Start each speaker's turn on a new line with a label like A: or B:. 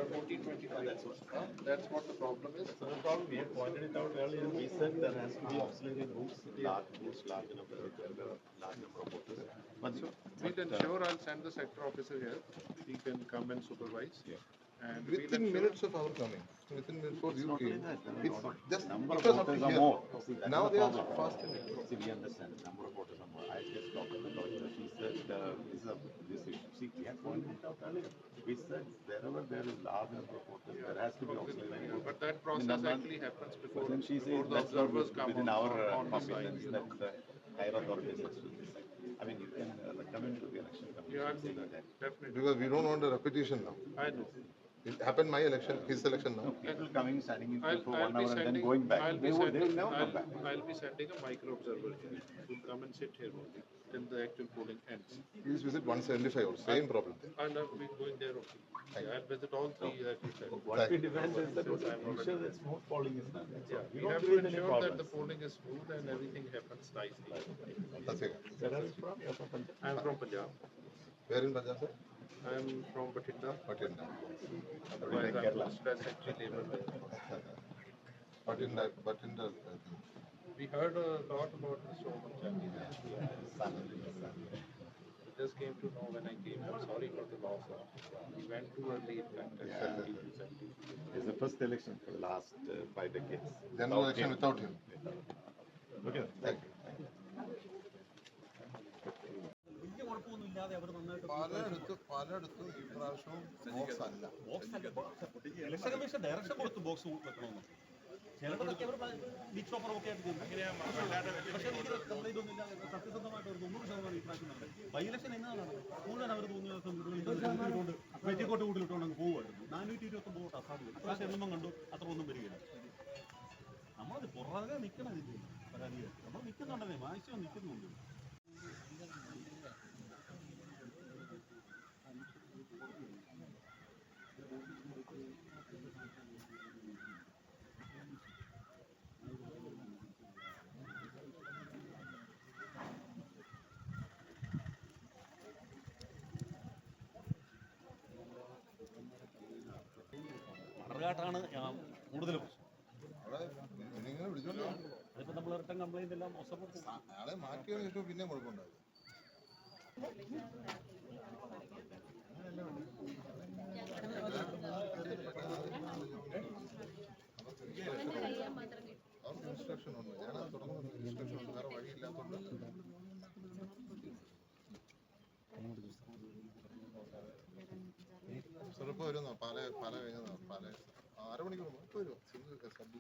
A: 1425. That's what the problem is.
B: So the problem, we had pointed it out earlier, we said there has to be auxiliary rooms, large number of voters. But
A: We'll ensure I'll send the sector officer here. He can come and supervise.
B: Yeah.
A: And
C: Within minutes of our coming, within minutes before you came, it's just
B: number of
C: because of
B: voters
C: the
B: are
C: year.
B: more. See, that's
C: Now
B: the
C: they are
B: problem.
C: fast in it.
B: See, we understand the number of voters are more. I just talked to the lawyer. She said this issue. See, we had pointed it out earlier. We said wherever there is large number of voters, there has to be auxiliary rooms.
A: but that process actually happens before,
B: But then she
A: before
B: says
A: the
B: that's not
A: observers come
B: within
A: on,
B: our
A: on the side.
B: competence that the higher authorities has to decide. I mean, you can recommend to the election commission.
A: Yeah, I'll do that. Definitely.
C: Because we don't want a repetition now.
A: I know.
C: It happened my election, his election now.
B: People coming, standing in queue
A: I'll,
B: for
A: I'll
B: 1
A: be
B: hour and then
A: sending,
B: going back.
A: I'll
B: They
A: be
B: will
A: sending,
B: never come back.
A: I'll be sending a micro observer here who will come and sit here only till the actual polling ends.
C: Please visit 175 also, same problem there.
A: I'll be going there only. Yeah, I'll visit all three that you said.
B: What we demand is that ensure that smooth polling is done. That's all.
A: We
B: We don't
A: have to
B: create any
A: ensure that the
B: problems.
A: polling is smooth and everything happens nicely.
C: That's it.
B: Where are you from? You're from Punjab?
A: I'm from Punjab.
C: Where in Punjab, sir?
A: I'm from Bathinda.
C: Patinda.
A: Otherwise, I'm posted as secretary labor there.
C: Patinda.
A: We heard a lot about Mr. Omar Chandi. We just came to know when I came. I'm sorry for the loss. He went too early in fact. At 70.
B: It's the first election for the last 5 decades.
C: General election without him.
B: Okay.
C: Thank you. പലയിടത്തും ഈ പ്രാവശ്യവും box അല്ല.
D: Election commission direction കൊടുത്തു box വെക്കണമെന്ന്. ചിലതൊക്കെ അവർ beach ഓഫറൊക്കെ ആയിട്ട് ചെയ്തു. പക്ഷേ എനിക്ക് കംപ്ലൈന്റ് ഒന്നും ഇല്ല. സത്യസന്ധമായിട്ട് ഒരു 90% ഈ പ്രാവശ്യം നടന്നത്. ബൈ ഇലക്ഷൻ എന്നാണ് മുഴുവൻ അവർ തോന്നിയത് വെറ്റിക്കോട്ട് കൂട്ടിലിട്ടുകൊണ്ട് അങ്ങ് പോകുമായിരുന്നു. 429 വോട്ട് അസാധ്യം. ഇപ്രാവശ്യം എണ്ണം കണ്ടു അത്ര ഒന്നും വരികയില്ല. നമ്മളത് പുറകെ നിൽക്കണം. ഇതിൻ്റെ പരാതികൾ നമ്മൾ നിൽക്കുന്നുണ്ടെന്നേ മാക്സിമം നിൽക്കുന്നുണ്ട്. മണർകാട്ടാണ് കൂടുതൽ പ്രശ്നം.
C: അവിടെ ഇങ്ങനെ വിളിച്ചോണ്ടോ
D: അതിപ്പോൾ നമ്മൾ റിട്ടേൺ കംപ്ലൈൻ്റ് എല്ലാം
C: അയാളെ മാറ്റിയതിനു ശേഷം പിന്നെ കുഴപ്പമുണ്ടാകും. അവർക്ക് ഇൻസ്ട്രക്ഷൻ ഉണ്ട്. ഞാനത് തുടങ്ങുന്നത് ഇൻസ്ട്രക്ഷൻ ഉണ്ട്. വേറെ വഴിയില്ലാത്തതുകൊണ്ട് ചെറുപ്പം വരുന്നോ പാല കഴിഞ്ഞോ പാല 6 മണിക്കൂർ മുമ്പ് വരുമോ?